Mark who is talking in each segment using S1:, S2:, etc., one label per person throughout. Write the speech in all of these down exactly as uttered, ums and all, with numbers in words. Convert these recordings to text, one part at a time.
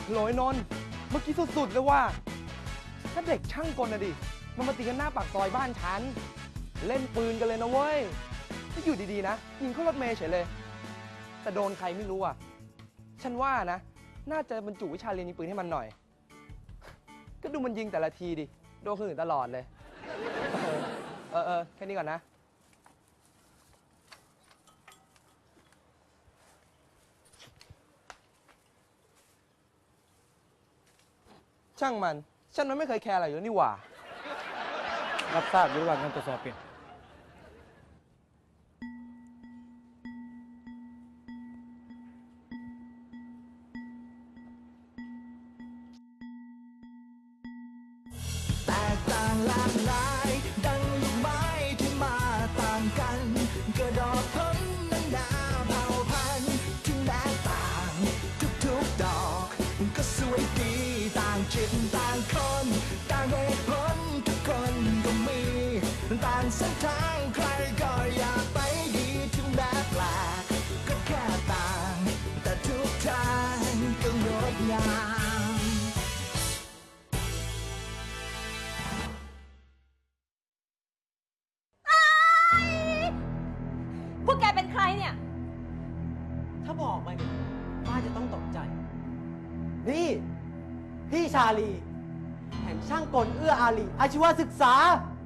S1: โหลยนนท์เมื่อกี้สุดๆเลยว่าถ้าเด็กช่างกลนะดิมันมาตีกันหน้าปากซอยบ้านฉันเล่นปืนกันเลยนะเว้ยถ้าอยู่ดีๆนะยิงเข้ารถเมย์เฉยเลยแต่โดนใครไม่รู้อ่ะฉันว่านะน่าจะบรรจุวิชาเรียนยิงปืนให้มันหน่อยก็ดูมันยิงแต่ละทีดิโดนคนอื่นตลอดเลยเออเออแค่นี้ก่อนนะช่างมันฉันมันไม่เคยแคร์อะไรอยู่แล้วนี่หว่า
S2: รับทราบอยู่ระหว่างการตรวจสอบเปลี่ยน
S3: แตกต่างหลากหลายดังลูกไม้ที่มาต่างกันกระดอกพ้นนั้นนาเผ่าพันธุ์ที่แม้ต่างทุกๆดอกก็สวยดีต่างจิตต่างคนต่างเหตุผลทุกคนก็มีต่างเส้นทางใครก็อยากไปดีถึงแม้แปลกก็แค่ต่างแต่ทุกทางก็งดงาม
S4: พวกแกเป็นใครเนี่ย
S5: ถ้าบอกไปเนี่ยป้าจะต้องตกใจ นี่ พี่ชาลี แห่งช่างกลเอื้ออารีอาชีวศึกษา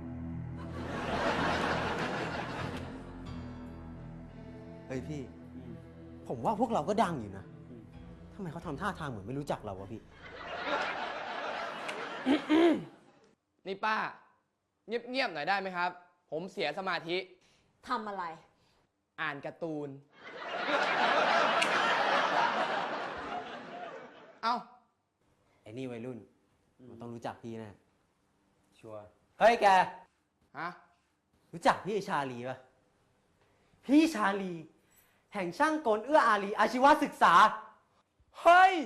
S5: เฮ้ยพี่ ผมว่าพวกเราก็ดังอยู่นะ ทำไมเขาทำท่าทางเหมือนไม่รู้จักเราวะพี่
S1: นี่ป้าเงียบๆหน่อยได้ไหมครับผมเสียสมาธิ
S4: ทำอะไร
S1: อ่านการ์ตูน เอ้า
S5: ไอ้นี่วัยรุ่น มันต้องรู้จักพี่แน่
S2: ชัวร์
S5: เฮ้ยแก
S1: ฮะ
S5: รู้จักพี่ชาลีปะพี่ชาลี แห่งช่างกลเอื้ออารีอาชีวศึกษา
S1: เฮ้ย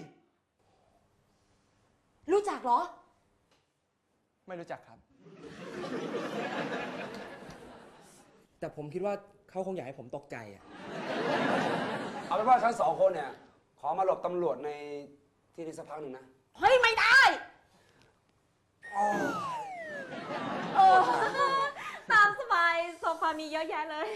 S4: รู้จักเหรอ
S1: ไม่รู้จักครับ แต่ผมคิดว่าเขาคงอยากให้ผมตกใจอ่ะ
S2: เอาเป็นว่าทั้งสองคนเนี่ย ขอมาหลบตำรวจในที่นี้สักพักหนึ่งนะ
S4: เฮ้ย ไม่ได้เออตามสบายโซฟามีเยอะแยะเลย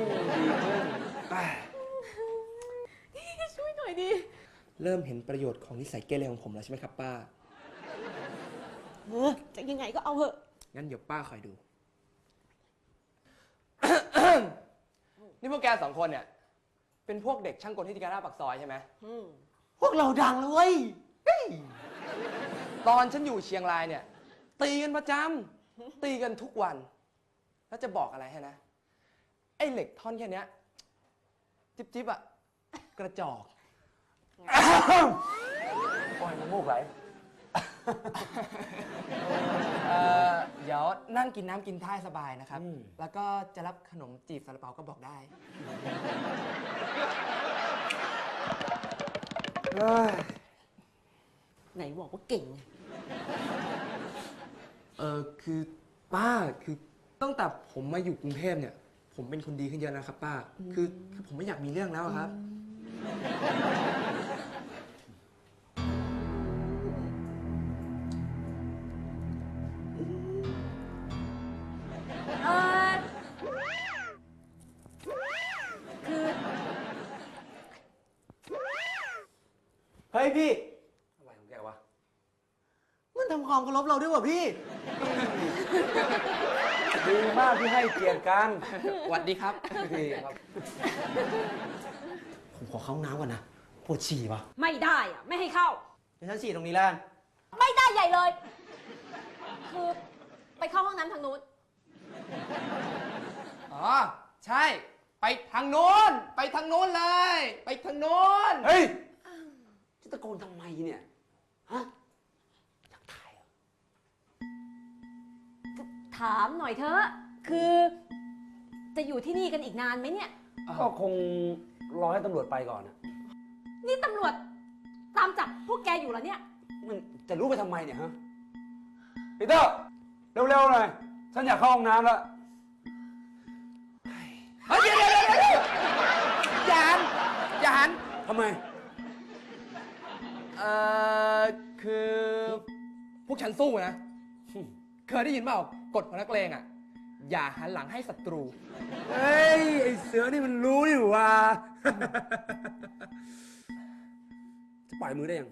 S4: ช่วยหน่อยดิ
S1: เริ่มเห็นประโยชน์ของนิสัยเกเรของผมแล้วใช่ไหมครับป้า
S4: เออจะยังไงก็เอาเถอะ
S1: งั้นเดี๋ยวป้าคอยดู นี่พวกแกสองคนเนี่ย เป็นพวกเด็กช่างกลที่ตีกันหน้าปากซอยใช่ไหม
S5: พวกเราดังแล้วเว้ย
S1: ตอนฉันอยู่เชียงรายเนี่ย ตีกันประจำตีกันทุกวัน แล้วจะบอกอะไรให้นะ ไอ้เหล็กท่อนแค่เนี้ยจิ๊บจิ๊บอะกระจอก
S2: โอ้ยมันมูกไหล
S1: เอ่อเดี๋ยวนั่งกินน้ำกินท่าสบายนะครับ
S2: อืม
S1: แล้วก็จะรับขนมจีบซาลาเปาก็บอกได้
S4: ไหนบอกว่าเก่งไง
S1: เออคือป้าคือตั้งแต่ผมมาอยู่กรุงเทพเนี่ย ผมเป็นคนดีขึ้นเยอะนะครับป้า คือคือผมไม่อยากมีเรื่องแล้วอะครับ
S4: เออคือ
S5: เฮ้ยพี่
S2: อะไรของแกวะ
S5: มันทำความเคารพเราด้วยวะพี่
S2: ดีมากที่ให้เกียรติกัน
S1: หวัดดีครับ
S2: ดีครับ
S5: ผมขอเข้าห้องน้ำก่อนนะ ปวดฉี่วะ
S4: ไม่ได้อะไม่ให้เข้า
S5: เดี๋ยวฉันฉี่ตรงนี้แล้วกัน
S4: ไม่ได้ใหญ่เลย คือไปเข้าห้องน้ำทางนู้น
S1: อ๋อ ใช่ ไปทางโน้น ไปทางโน้นเลย ไปทางโน้น
S2: เฮ้ย จะตะโกนทำไมเนี่ย ฮะอยากถ่ายเหรอ
S4: ถามหน่อยเถอะ คือจะอยู่ที่นี่กันอีกนานไหมเนี่ย
S2: ก็คงรอให้ตำรวจไปก่อนนะ
S4: นี่ตำรวจตามจับพวกแกอยู่แล้วเนี่ย
S2: มันจะรู้ไปทำไมเนี่ยฮะปีเตอร์ เร็วๆหน่อย ฉันอยากเข้าห้องน้ำแล้ว
S1: เฮ้ยเดี๋ยวเดี๋ยวเดี๋ยวเดี๋ยวอย่าหันอย่าหัน
S2: ทำไม
S1: เอ่อคือพวกฉันสู้นะ เคยได้ยินเปล่ากฎของนักเลงอ่ะ อย่าหันหลังให้ศัตรู
S2: เฮ้ย ไอเสือนี่มันรู้นี่หว่า จะปล่อยมือได้ยัง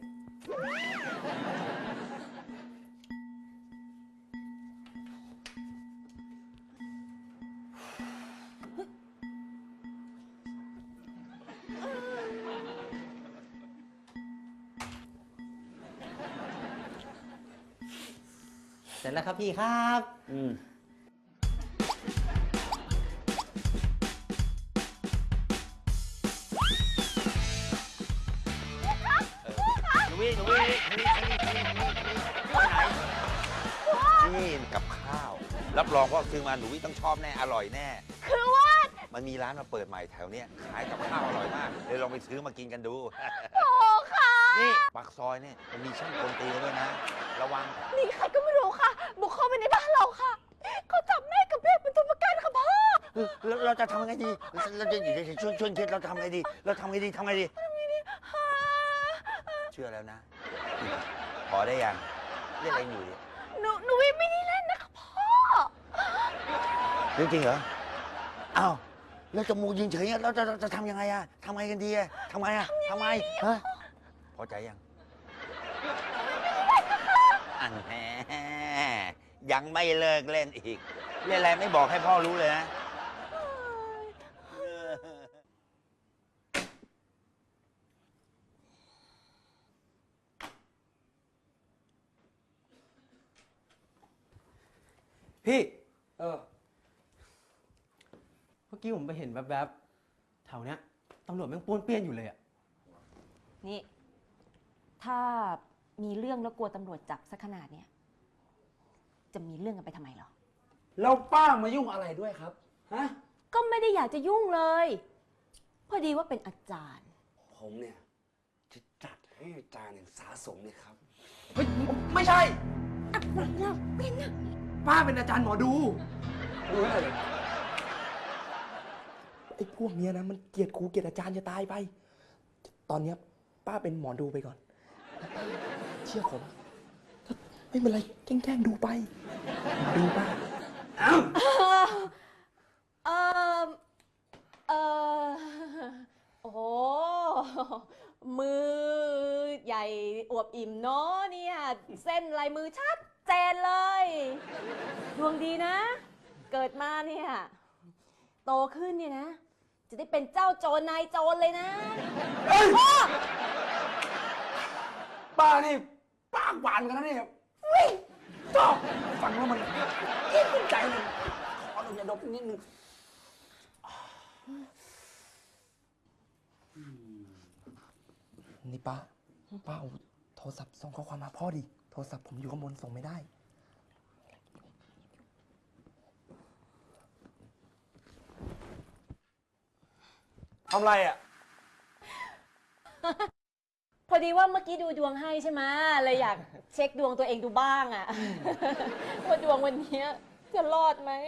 S5: เสร็จแล้วครับพี่ครับ
S2: อืม
S6: หนูวิหนูวิหนูวิหนูวิหนูวิหนูวิไหนนี่กับข้าว รับรองว่าซื้อมาหนูวิต้องชอบแน่ อร่อยแน่
S4: คือว่า
S6: มันมีร้านมาเปิดใหม่แถวเนี้ยขายกับข้าวอร่อยมากเลยลองไปซื้อมากินกันดู
S4: โอ้ค่ะ
S6: นี่ปากซอยเนี่ยมันมีช่างกลตีด้วยนะ ระวัง
S4: มีใครก็ไม่รู้ค่ะ บุกเข้าไปในบ้านเราค่ะ เขาจับแม่กับเด็กเป็นตัวประกันค่ะพ่อ
S6: เราเราจะทำไงดี เราจะอยู่ในช่วงช่วงคิดเราทำไงดี เราทำไงดีทำไงดี เชื่อแล้วนะ พอได้ยัง เล่นเองอยู่ดิ
S4: หนูหนูวิไม่ได้เล่นนะคะพ่อ
S6: เรื่องจริงเหรอ อ้าว แล้วจมูกยิงเฉยๆเราจะเราจะทำยังไงอะทำไงกันดีอะทำไงอะทำไงฮะพอใจยัง อันแหมยังไม่เลิกเล่นอีก เล่นอะไรไม่บอกให้พ่อรู้เลยนะ
S1: พี่
S2: เออ
S5: เมื่อกี้ผมไปเห็นแวบๆแถวเนี้ยตำรวจแม่งป้วนเปี้ยนอยู่เลยอะ
S4: นี่ ถ้ามีเรื่องแล้วกลัวตำรวจจับสักขนาดเนี้ยจะมีเรื่องกันไปทำไมเหรอ
S2: แล้วป้ามายุ่งอะไรด้วยครับ ฮะ
S4: ก็ไม่ได้อยากจะยุ่งเลย พอดีว่าเป็นอาจารย์
S2: ผมเนี่ย จะจัดให้อาจารย์อย่างสาสมเลยครับ
S1: เฮ้ย ไม่ใช่
S4: อะไรนะเป็นนะ
S1: ป้าเป็นอาจารย์หมอดู
S2: ดูอะไรเลย
S1: ไอ้พวกเนี้ยนะมันเกลียดครูเกลียดอาจารย์จะตายไป ตอนเนี้ยป้าเป็นหมอดูไปก่อนแล้วป้าเชื่อผมถ้าไม่เป็นไรแกล้งๆดูไปหมอดูป้า
S4: เออเออโอ้โห มือใหญ่อวบอิ่มเนาะเนี่ย เส้นลายมือชัดเจนเลย ดวงดีนะ เกิดมาเนี่ย โตขึ้นเนี่ยนะ จะได้เป็นเจ้าโจรนายโจรเลยนะพ่อ
S2: ป้านี่ปากหวานกันนะเนี่ยวิ่งชอบฟังแล้วมันยิ่งใจเลยขอหนูอย่าดบนิดนึง
S1: นี่ป้า ป้าเอาโทรศัพท์ส่งข้อความมาพ่อดิ โทรศัพท์ผมอยู่ข้างบนส่งไม่ได้
S2: ทำไรอ่ะ
S4: พอดีว่าเมื่อกี้ดูดวงให้ใช่ไหมเลยอยากเช็คดวงตัวเองดูบ้างอะ ว่าดวงวันนี้จะรอดไหม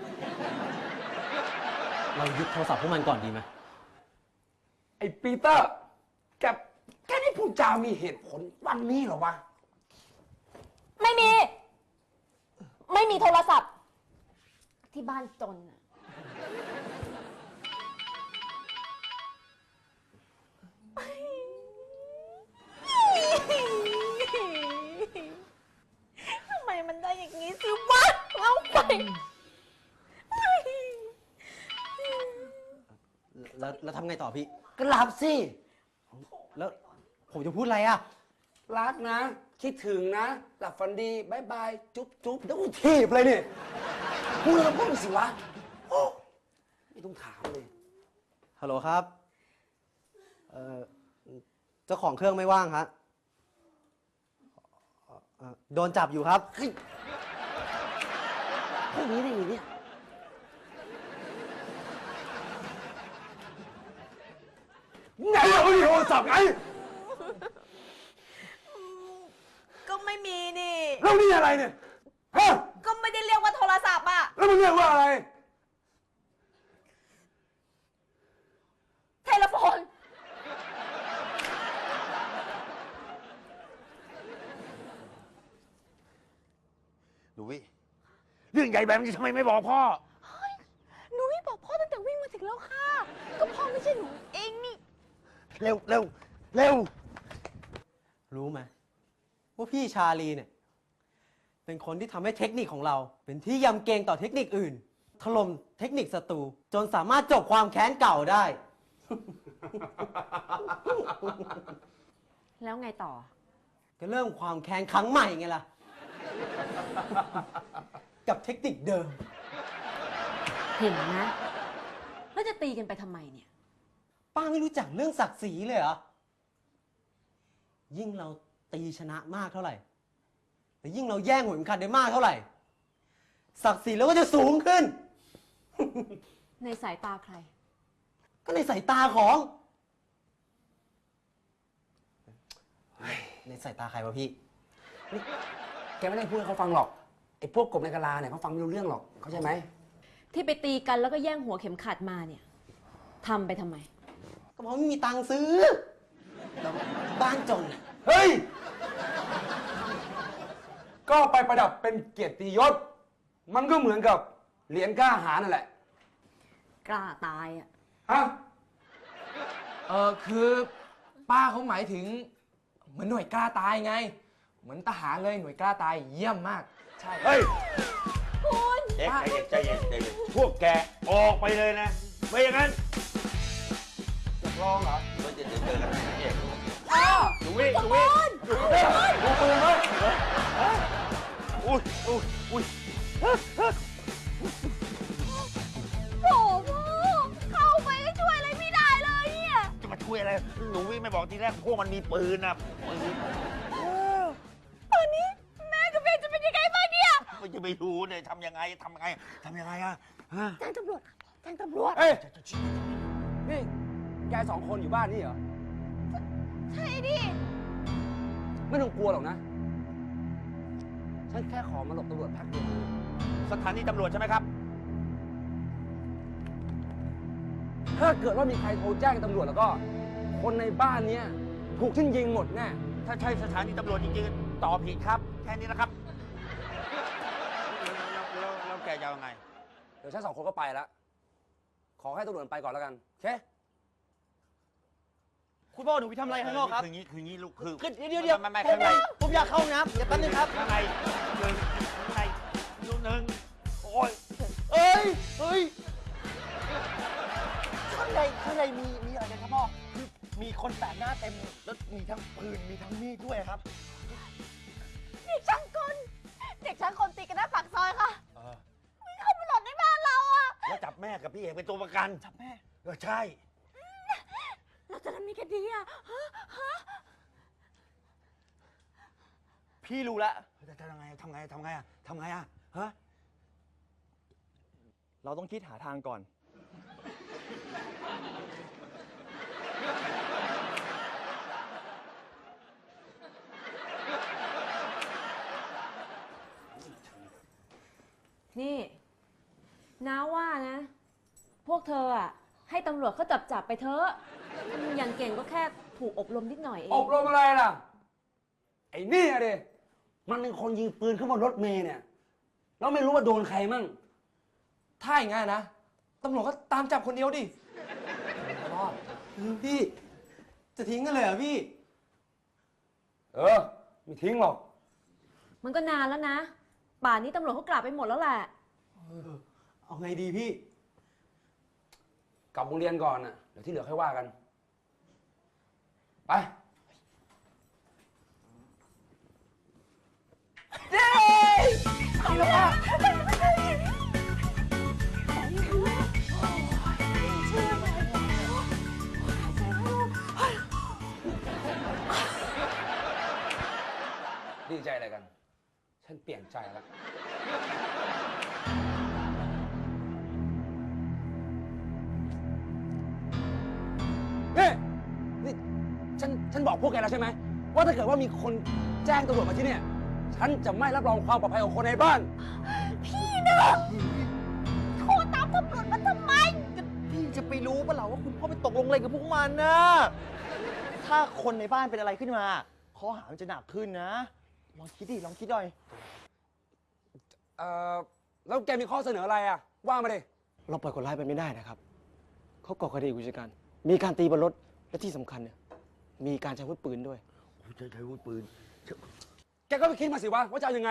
S5: เรายึดโทรศัพท์พวกมันก่อนดีไหม
S2: ไอ้ปีเตอร์ แกแกนี่พูดจามีเหตุผลวันนี้เหรอวะ
S4: ไม่มี ไม่มีโทรศัพท์ ที่บ้านจนอะทำไมมันได้อย่างนี้สิวะเอาไป
S5: แล้วแล้วทำไงต่อพี่
S2: ก็หลับสิ
S5: แล้วผมจะพูดอะไรอะ
S2: รักนะ คิดถึงนะ หลับฝันดีบายบาย จุ๊บจุ๊บแล้วกูถีบเลยเนี่ยพูดแล้วพูดสิวะโอ้ไม่ต้องถามเลย
S5: ฮัลโหลครับ เอ่อ เจ้าของเครื่องไม่ว่างฮะเอ่อโดนจับอยู่ครับ
S2: เฮ้ยพวกนี้ได้ไงเนี่ย ไงเราไม่มีโทรศัพท์ไง
S4: ก็ไม่มีนี่
S2: แล้วนี่อะไรเนี่ย ฮะ
S4: ก็ไม่ได้เรียกว่าโทรศัพท์อะ
S2: แล้วมึงเรียกว่าอะไร
S4: เทเลโฟน
S6: ใหญ่แบบนี้ทำไมไม่บอกพ่อ
S4: หนูไม่บอกพ่อตั้งแต่วิ่งมาถึงแล้วค่ะ ก็พ่อไม่ใช่หนูเองนี่
S6: เร็วเร็วเร็ว
S5: รู้ไหมว่าพี่ชาลีเนี่ย เป็นคนที่ทำให้เทคนิคของเรา เป็นที่ยำเกรงต่อเทคนิคอื่น ถล่มเทคนิคศัตรูจนสามารถจบความแค้นเก่าได้
S4: แล้วไงต่อ
S5: ก็เริ่มความแค้นครั้งใหม่ไงล่ะ กับเทคนิคเดิม
S4: เห็นนะ แล้วจะตีกันไปทำไมเนี่ย
S5: ป้าไม่รู้จักเรื่องศักดิ์ศรีเลยเหรอ ยิ่งเราตีชนะมากเท่าไหร่แต่ยิ่งเราแย่งหัวเข็มขัดได้มากเท่าไหร่ ศักดิ์ศรีเราก็จะสูงขึ้น
S4: ในสายตาใคร
S5: ก็ในสายตาของ ในสายตาใครวะพี่
S2: แกไม่ได้พูดให้เขาฟังหรอก ไอ้พวกกบในกะลาเนี่ยเขาฟังไม่รู้เรื่องหรอก เข้าใจไหม
S4: ที่ไปตีกันแล้วก็แย่งหัวเข็มขัดมาเนี่ยทำไปทำไม
S5: ก็เพราะไม่มีตังค์ซื้อแล้วบ้านจนน่ะ
S2: เฮ้ย ก็ไปประดับเป็นเกียรติยศ มันก็เหมือนกับเหรียญกล้าหาญนั่นแหละ
S4: กล้าตายอ่ะ
S2: ฮะ
S1: เออคือป้าเขาหมายถึงเหมือนหน่วยกล้าตายไง เหมือนทหารเลยหน่วยกล้าตายเยี่ยมมาก ใช่
S6: เฮ้ย
S4: คุณ
S6: เจ๊ใจเย็นใจเย็นใจเย็นพวกแกออกไปเลยนะ ไม่อย่างนั้น
S2: จะลองเหรอ
S6: เราจะเจอกันนะเจ๊ดูวิดูวิดูวิดูปืนไหมอุ้ยอุ้ยอุ้ย
S4: โอ้โหเข้าไปก็ช่วยอะไรไม่ได้เลยเนี่ย
S6: จะมาช่วยอะไรหนูวิไม่บอกทีแรกพวกมันมีปืนนะปืน
S4: ตอนนี้แม่กับเบนจะเป็นยังไงบ้างเนี่ย
S6: มันจะไปรู้เนี่ยทำยังไงทำยังไงทำยังไงอะฮะ
S4: แจ้งตำรวจแจ้งตำรวจ
S2: เอ้ย นี่แกสองคนอยู่บ้านนี่เหรอ
S4: ใช่ดิ
S2: ไม่ต้องกลัวหรอกนะ ฉันแค่ขอมาหลบตำรวจพักเดียว
S6: สถานีตำรวจใช่ไหมครับ
S2: ถ้าเกิดว่ามีใครโทรแจ้งตำรวจแล้วก็ คนในบ้านเนี้ยถูกฉันยิงหมดแน่
S6: ถ้าใช่สถานีตำรวจจริงๆตอบผิดครับ แค่นี้นะครับแล้วแล้วแล้วแกจะเอาไง
S2: เดี๋ยวฉันสองคนก็ไปแล้ว ขอให้ตำรวจไปก่อนแล้วกัน โอเค
S5: คุณพ่อหนูไปทำอะไรข้างนอกครับ
S6: คืองี้คืองี้ลูกคือ
S5: คือเดี๋ยวเดี๋ยว
S6: ไม่ไม่
S5: ผ
S6: ข้าม งใน
S5: ผมอยากเข้าห้องน้ำเดี๋ยวแป๊บนึงครับ
S6: ข้างในหนึ่งข้างในลูกหนึ่งโอ้ย
S5: เอ้ย เฮ้ย ข้างในข้างในมีมีอะไรกันครับพ่อ คือมีคนแปลกหน้าเต็ม แล้วมีทั้งปืน มีทั้งมีดด้วยครับ
S4: เด็กช่างกลเด็กช่างกลตีกันหน้าปากซอยค่ะ
S6: เออ
S4: วิ่งเข้ามาหลบในบ้านเราอะ
S6: แล้วจับแม่กับพี่เอกเป็นตัวประกัน
S5: จับแม่
S6: เออใช่
S4: เราจะทำยังไงกันดีอะฮะฮะ
S5: พี่รู้แล้ว
S6: จะทำไงทำไงทำไงอะทำไงอะฮะ
S5: เราต้องคิดหาทางก่อน
S4: นี่น้าว่านะ พวกเธออะให้ตำรวจเขาจับจับไปเถอะอย่างเก่งก็แค่ถูกอบรมนิดหน่อยเอง
S2: อบรมอะไรล่ะ ไอ้นี่อะดิมันเป็นคนยิงปืนขึ้นบนรถเมล์เนี่ย แล้วไม่รู้ว่าโดนใครมั่ง
S1: ถ้าอย่างงั้นนะ ตำรวจก็ตามจับคนเดียวดิ
S2: รอด
S5: พี่ จะทิ้งกันเลยเหรอพี่
S2: เออ ไม่ทิ้งหรอก
S4: มันก็นานแล้วนะ ป่านนี้ตำรวจเขากลับไปหมดแล้วแหละ
S5: เอาไงดีพี่
S2: กลับโรงเรียนก่อนน่ะ เดี๋ยวที่เหลือค่อยว่ากัน ไป ดีใจอะไรกัน ฉันเปลี่ยนใจแล้ว นี่ นี่ ฉัน ฉันบอกพวกแกแล้วใช่ไหม ว่าถ้าเกิดว่ามีคนแจ้งตำรวจมาที่เนี่ย ฉันจะไม่รับรองความปลอดภัยของคนในบ้าน
S4: พี่นะโทรตามตำรวจมาทำไม
S5: พี่จะไปรู้ปะเหรอว่าคุณพ่อไปตกลงอะไรกับพวกมันนะ ถ้าคนในบ้านเป็นอะไรขึ้นมาข้อหามันจะหนักขึ้นนะ ลองคิดดิ ลองคิดหน่อย
S2: เอ่อแล้วแกมีข้อเสนออะไรอ่ะ ว่ามาดิ
S1: เราปล่อยคนร้ายไปไม่ได้นะครับ เขาก่อคดีอุกชะกัน มีการตีบนรถ และที่สำคัญเนี่ย มีการใช้อาวุธปืนด้วย
S6: ใช้ใช้อาวุธปืน
S2: แกก็ไปคิดมาสิวะว่าจะเอายังไง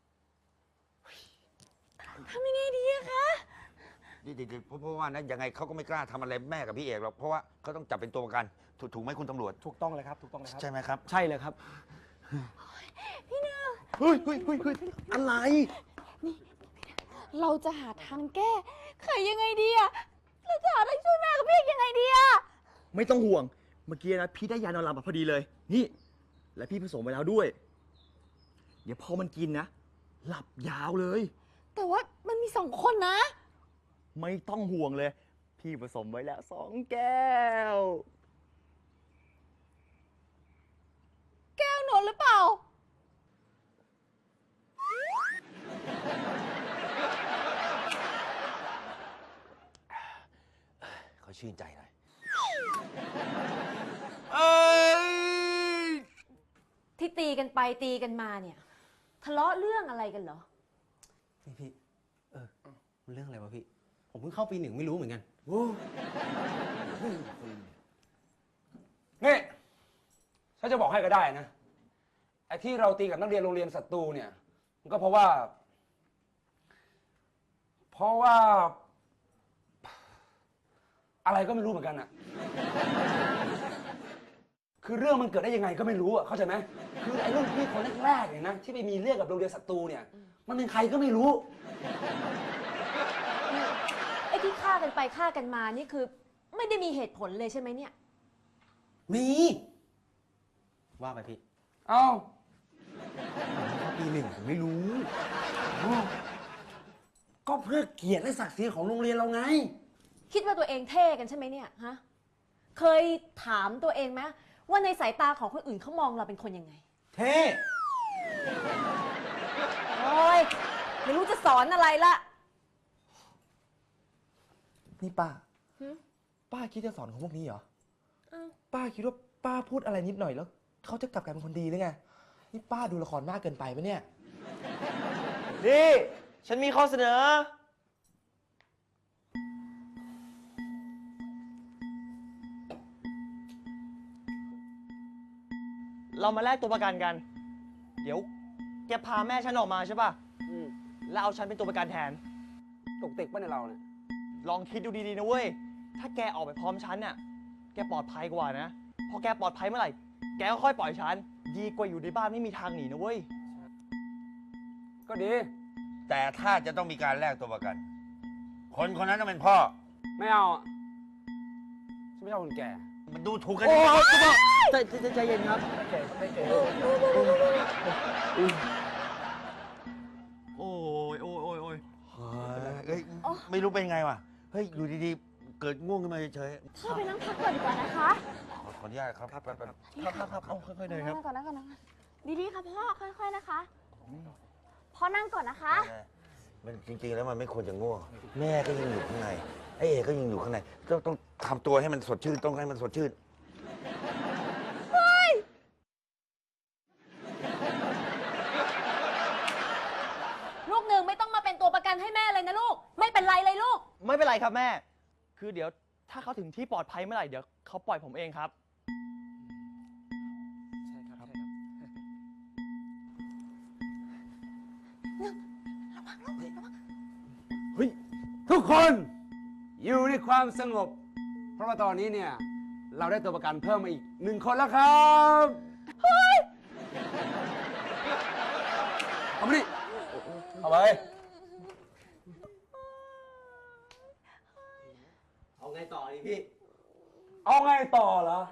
S4: ทำยังไงดีอะคะ
S6: นี่เดี๋ยวเพราะเพราะว่านะยังไงเขาก็ไม่กล้าทำอะไรแม่กับพี่เอกหรอก เพราะว่าเขาต้องจับเป็นตัวประกัน ถูกถูกไหมคุณตำรวจ
S1: ถูกต้องเลยครับ ถูกต้องเลยครับ
S6: ใช่ไหมครับ
S1: ใช่เลยครับ
S4: พี่เนอ
S1: เฮ้ยเฮ้ยเฮ้ยเฮ้ยอะไร
S4: เราจะหาทางแก้ไขยังไงดีอะเราจะหาทางช่วยแม่กับพี่ยังไงดีอะ
S7: ไม่ต้องห่วง เมื่อกี้นะพี่ได้ยานอนหลับมาพอดีเลย นี่ และพี่ผสมไปแล้วด้วย เดี๋ยวพอมันกินนะ หลับยาวเลย
S4: แต่ว่ามันมีสองคนนะ
S7: ไม่ต้องห่วงเลย พี่ผสมไว้แล้วสองแก้ว
S4: แก้วหนนหรือเปล่า
S6: เขาชื่นใจหน่อย
S4: ที่ตีกันไปตีกันมาเนี่ย ทะเลาะเรื่องอะไรกันเหรอ
S5: นี่พี่ เออมันเรื่องอะไรวะพี่ ผมเพิ่งเข้าปีหนึ่งไม่รู้เหมือนกัน
S2: นี่ ฉันจะบอกให้ก็ได้นะ ไอ้ที่เราตีกับนักเรียนโรงเรียนศัตรูเนี่ย มันก็เพราะว่า เพราะว่า อะไรก็ไม่รู้เหมือนกันอะคือเรื่องมันเกิดได้ยังไงก็ไม่รู้อะเข้าใจไหมคือไอ้รุ่นพี่คนแรกๆเนี่ยนะที่ไปมีเรื่องกับโรงเรียนศัตรูเนี่ย มันเป็นใครก็ไม่รู้
S4: ไอ้ที่ฆ่ากันไปฆ่ากันมานี่คือ ไม่ได้มีเหตุผลเลยใช่ไหมเนี่ย
S5: มี ว่าไปพี่
S2: เอ้า
S5: เข้าปีหนึ่งผมไม่รู้
S2: ก็เพื่อเกียรติและศักดิ์ศรีของโรงเรียนเราไง
S4: คิดว่าตัวเองเท่กันใช่ไหมเนี่ยฮะ เคยถามตัวเองไหมว่าในสายตาของคนอื่นเขามองเราเป็นคนยังไง
S5: เท่
S4: โอ้ยไม่รู้จะสอนอะไรละ
S1: นี่ป้า
S4: หึ
S1: ป้าคิดจะสอนของพวกนี้เหรอ
S4: อ้าว
S1: ป้าคิดว่าป้าพูดอะไรนิดหน่อยแล้วเขาจะกลับกลายเป็นคนดีหรือไง นี่ป้าดูละครมากเกินไปปะเนี่ย
S7: นี่ ฉันมีข้อเสนอ เรามาแลกตัวประกันกัน เดี๋ยวแกพาแม่ฉันออกมาใช่ป่ะ
S2: อืม
S7: แล้วเอาฉันเป็นตัวประกันแทน
S2: ตกติกป่ะในยเราเนี่ย
S7: ลองคิดดูดีๆนะเว้ย ถ้าแกออกไปพร้อมฉันน่ะ แกปลอดภัยกว่านะ พอแกปลอดภัยเมื่อไหร่ แกก็ค่อยปล่อยฉัน ดีกว่าอยู่ในบ้านไม่มีทางหนีนะเว้ย
S2: ก็ดี
S6: แต่ถ้าจะต้องมีการแลกตัวประกัน คนคนนั้นต้องเป็นพ่อ
S2: ไม่เอาอะฉันไม่ชอบคนแก่
S6: มันดูถูกกัน
S7: โอ้
S6: ดิ
S7: ยใจใจใจใจเย็นครับ โอ้ยโอ้ยโอ้ยโอ้ย
S6: เฮ้ยไม่รู้เป็นไงวะ เฮ้ย อยู่ดีๆ เกิดง่วงขึ้นมาเฉย
S4: พ่อไปนั่งพักก่อนดีกว่านะคะ
S6: ๆขอขออนุญาตครับครับครับ
S7: ครับครับครับเอาค่อยๆเดินครับ
S4: นั่งก่อนนั่งก่อนนะคะดีๆค่ะพ่อค่อยๆนะคะ พ่อนั่งก่อนนะคะ
S6: มันจริงๆ แล้วมันไม่ควรจะง่วง แม่ก็ยังอยู่ข้างใน ไอ้เอกก็ยังอยู่ข้างใน ต้องต้องทำตัวให้มันสดชื่น ต้องให้มันสดชื่น
S4: ลูกหนึ่งไม่ต้องมาเป็นตัวประกันให้แม่เลยนะลูก ไม่เป็นไรเลยลูก
S7: ไม่เป็นไรครับแม่ คือเดี๋ยวถ้าเขาถึงที่ปลอดภัยเมื่อไหร่ เดี๋ยวเขาปล่อยผมเองครับ
S1: ใช่ครับ ใช่ครับ
S2: เฮ้ย ทุกคนอยู่ในความสงบ เพราะว่าตอนนี้เนี่ย เราได้ตัวประกันเพิ่มมาอีกหนึ่งคนแล้วครับ เฮ้ย เอามาดิเอาไป
S5: เอาไงต่อดีพี่
S2: เอาไงต่อเหรอ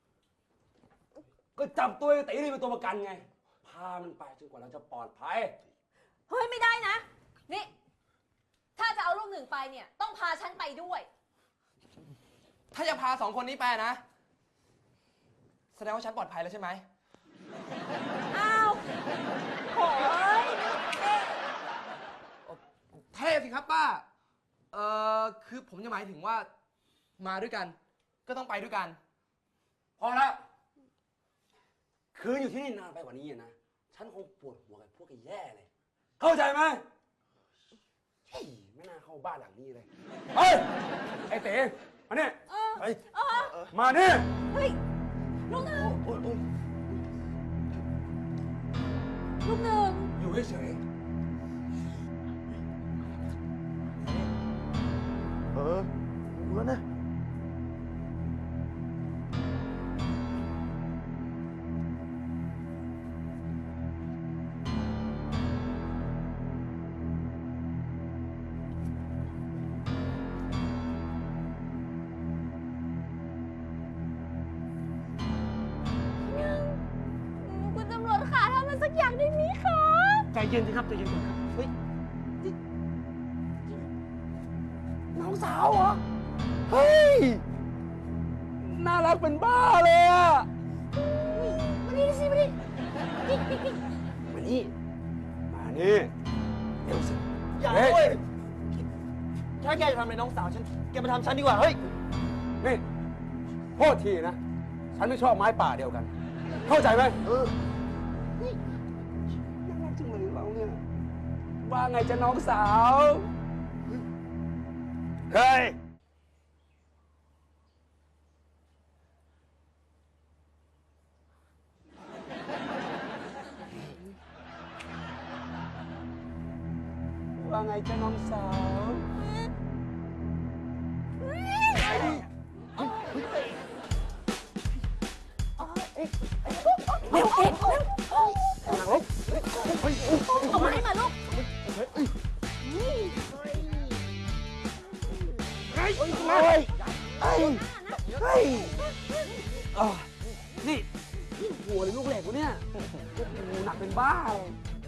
S2: ก็จับตัวไอ้ตีนี่เป็นตัวประกันไง พามันไปจนกว่าเราจะปลอดภัย
S4: เฮ้ยไม่ได้นะ นี่ ถ้าจะเอาลูกหนึ่งไปเนี่ย ต้องพาฉันไปด้วย
S1: ถ้าจะพาสองคนนี้ไปนะ แสดงว่าฉันปลอดภัยแล้วใช่ไหม
S4: อ้าวโหยเอ๊ะ
S1: เทพสิครับป้า เอ่อ คือผมจะหมายถึงว่า มาด้วยกัน ก็ต้องไปด้วยกัน
S2: พอแล้วคืนอยู่ที่นี่นานไปกว่านี้อะนะ ฉันคงปวดหัวกับพวกไอ้แย่เลย เข้าใจไหมเฮ้ยไม่น่าเข้าบ้านหลังนี้เลย เฮ้ย ไอ้เต๋มาเนี่ย
S4: เออ
S6: เฮ้ย
S4: เออ
S2: มาเนี่ย
S4: เฮ้ยลูกหนึ่งลูกหนึ่ง
S2: อยู่เฉย
S6: เออรู้แล้วนะ
S4: คุณตำรวจขาทำอะไรสักอย่างได้ไหมคะ
S7: ใจเย็นสิครับใจเย็นก่อนครับเฮ้ย
S2: น้องสาวเหรอ เฮ้ย น่ารักเป็นบ้าเลยอะ
S4: มานี่สิมานี่นี่นี่นี่
S2: มานี่ มานี่เร็วสิ
S7: อย่า
S2: เฮ้
S7: เว้ยถ้าแกจะทำอะไรน้องสาวฉัน แกมาทำฉันดีกว่า เฮ้ย
S2: นี่โทษทีนะ ฉันไม่ชอบไม้ป่าเดียวกัน เข้าใจไหมเออน่ารักจังเลยเราเนี่ย ว่าไงจะน้องสาว
S6: เฮ้ย
S2: ว่าไงจะน้องสาว
S4: เร็วเอ็ดเร็วเอาไม้มาลูก
S2: เฮ้ย เฮ้ย เฮ้ย เฮ้ยอ่ะนี่หัวเลยลูกเหล็กวะเนี่ยโอ้โหหนักเป็นบ้าเลย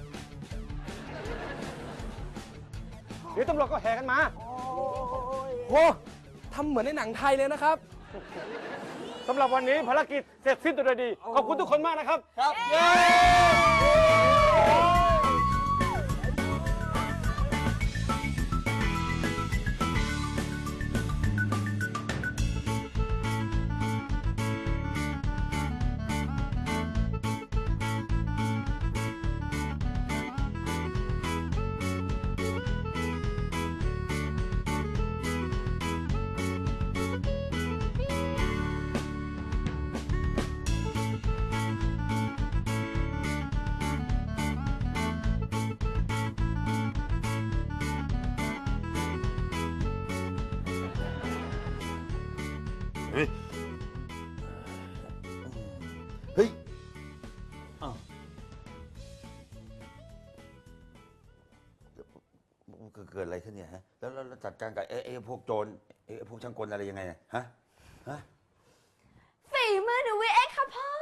S7: เดี๋ยวตำรวจก็แห่กันมา
S1: โหทำเหมือนในหนังไทยเลยนะครับ
S7: สำหรับวันนี้ภารกิจเสร็จสิ้นโดยดี ขอบคุณทุกคนมากนะครับ ครับ เย้
S6: เฮ้ย เฮ้ย
S7: อ้าว
S6: เกิดอะไรขึ้นเนี่ยฮะ แล้วแล้วแล้วจัดการกับไอ้ไอ้พวกโจรไอ้พวกช่างกลอะไรยังไงเนี่ยฮะ ฮะ
S4: ฝีมือหนูวิเอ็กค่ะพ่อ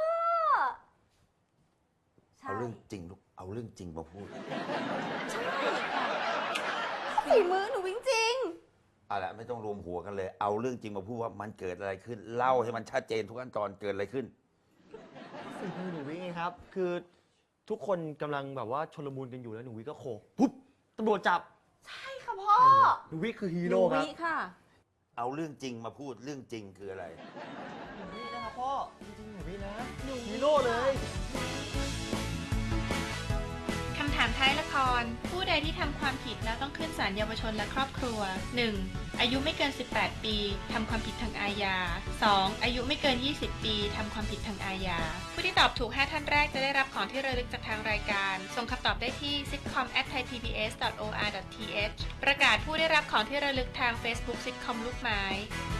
S4: ใช่
S6: เอาเรื่องจริงลูก เอาเรื่องจริงมาพูด
S4: ใช่ค่ะฝีมือหนูจริง
S6: เอาละไม่ต้องรวมหัวกันเลย เอาเรื่องจริงมาพูดว่ามันเกิดอะไรขึ้น เล่าให้มันชัดเจนทุกขั้นตอนเกิดอะไรขึ้น
S7: ฝีมือหนูวิไงครับ คือทุกคนกำลังแบบว่าชลมุนกันอยู่แล้วหนูวิก็โขกปุ๊บตำรวจจับ
S4: ๆ ใช่ค่ะพ่อ
S7: หนูวิคือฮี
S4: หนู
S7: โร่ครับ
S4: วิค่ะ
S6: เอาเรื่องจริงมาพูด เรื่องจริงคืออะไร
S7: หนูวินะครับพ่อ จริงๆหนูวินะฮีโร่เลย
S8: คำถามท้ายละคร ผู้ใดที่ทำความผิดแล้วต้องขึ้นศาลเยาวชนและครอบครัว หนึ่ง. อายุไม่เกิน สิบแปด ปีทำความผิดทางอาญา สอง. อายุไม่เกิน ยี่สิบ ปีทำความผิดทางอาญา ผู้ที่ตอบถูก ห้า ท่านแรกจะได้รับของที่ระลึกจากทางรายการ ส่งคำตอบได้ที่ ซิทคอม แอท ไทยพีบีเอส ดอท โอ อาร์ ดอท ที เอช ประกาศผู้ได้รับของที่ระลึกทาง Facebook ซิทคอมลูกไม้